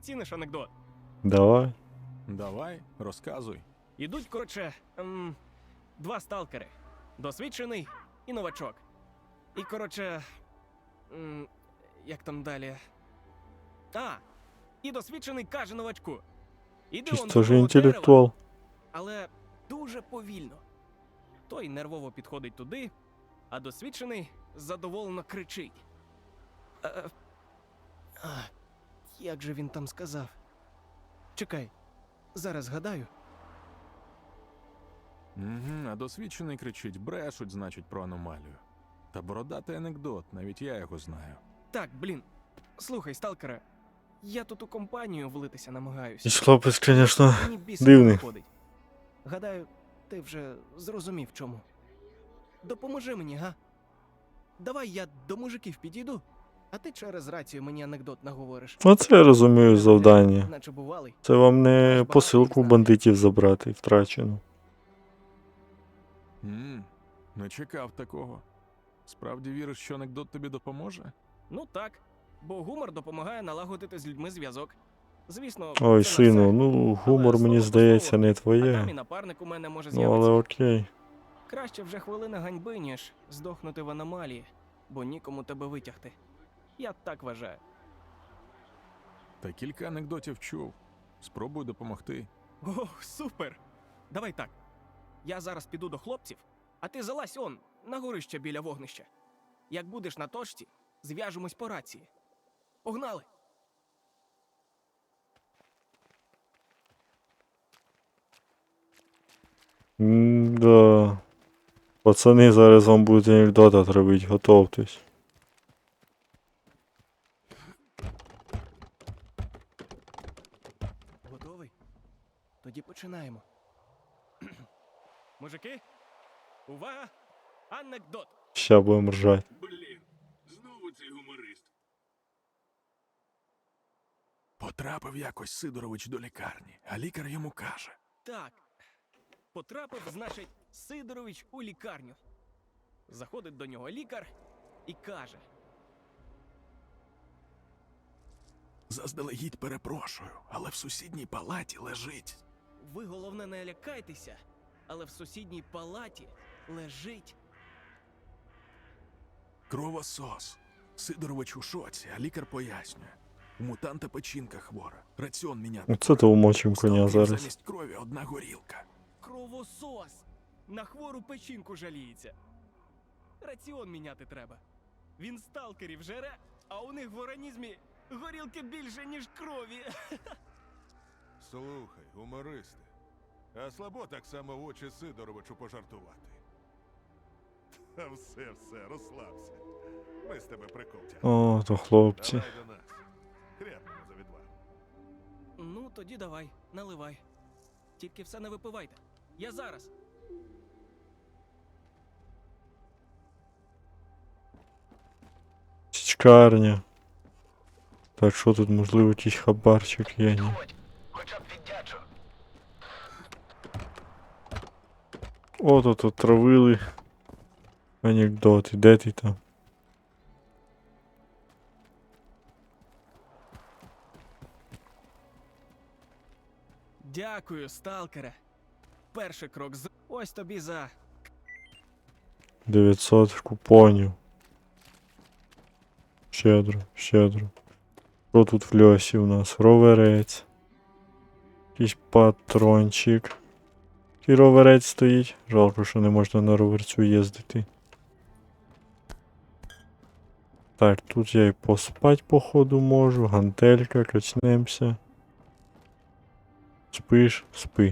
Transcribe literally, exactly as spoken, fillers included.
Ціниш анекдот? Давай. Давай, розказуй. Ідуть, коротше, ем, два сталкери. Досвідчений і новачок. І, коротше, ем, як там далі? А, і досвідчений каже новачку. Іди он Чисто до ж того інтелектуал. дерева, але дуже повільно. Той нервово підходить туди, а досвідчений задоволено кричить. Е, а, як же він там сказав? Чекай, зараз згадаю. Угу, а досвідчений кричить, брешуть, значить, про аномалію. Та бородатий анекдот, навіть я його знаю. Так, блін. Слухай, сталкере, я тут у компанію влитися намагаюся. І хлопець, звісно, Мені бісить дивний. виходить. Гадаю, ти вже зрозумів чому. Допоможи мені, га? Давай я до мужиків підійду, а ти через рацію мені анекдот наговориш. Оце я розумію завдання. Наче бувалий. Це вам не посилку бандитів забрати втрачену. Ммм, не чекав такого. Справді віриш, що анекдот тобі допоможе? Ну так, бо гумор допомагає налагодити з людьми зв'язок. Звісно, Ой, це не сину, все. ну гумор, Але мені слово здається, по не А там і твоє. напарник у мене може Ну, але з'явитися. окей. Краще вже хвилина ганьби, ніж здохнути в аномалії, бо нікому тебе витягти. Я так вважаю. Та кілька анекдотів чув. Спробуй допомогти. О, супер! Давай так. Я зараз піду до хлопців, а ти залазь он, на горище біля вогнища. Як будеш на точці, зв'яжемось по рації. Погнали! М-да. Пацани, зараз вам будуть анекдота травить, готовтесь. Готовий? Тоді починаємо. Мужики, увага! Анекдот! Ща будемо ржать. Блін, знову цей гуморист. Потрапив якось Сидорович до лікарні, а лікар йому каже. Так. Потрапив, значить, Сидорович у лікарню. Заходить до нього лікар і каже: Заздалегідь перепрошую, але в сусідній палаті лежить. ви, головне, не лякайтеся, але в сусідній палаті лежить. Кровосос. Сидорович у шоці, а лікар пояснює. У мутанта печінка хвора. Раціон міняти. Оце то умочим коня Сталкерів зараз. замість крові одна горілка. Кровосос! На хвору печінку жаліється. Раціон міняти треба. Він сталкерів жере, а у них в організмі горілки більше, ніж крові. Слухай, гумористи, а слабо так само в очі Сидоровичу пожартувати. Та все, все, розслабся. Ми з тебе прикол тягнемо. О, то хлопці. Давай до нас. Хряпнемо за відвагу. Ну, тоді давай, наливай. Тільки все не випивайте. Я зараз. Січкарня. Так, що тут, можливо, якийсь хабарчик є, ні? О, тут отравили. Анекдоти, де ти там? Дякую, сталкере. Перший крок з... Ось тобі за... дев'ятсот купонів. Щедро, щедро. Що тут в льосі у нас? Роверець. Якийсь патрончик. Який роверець стоїть. Жалко, що не можна на роверцю їздити. Так, тут я і поспать, походу, можу. Гантелька, качнемся. Спиш, спи.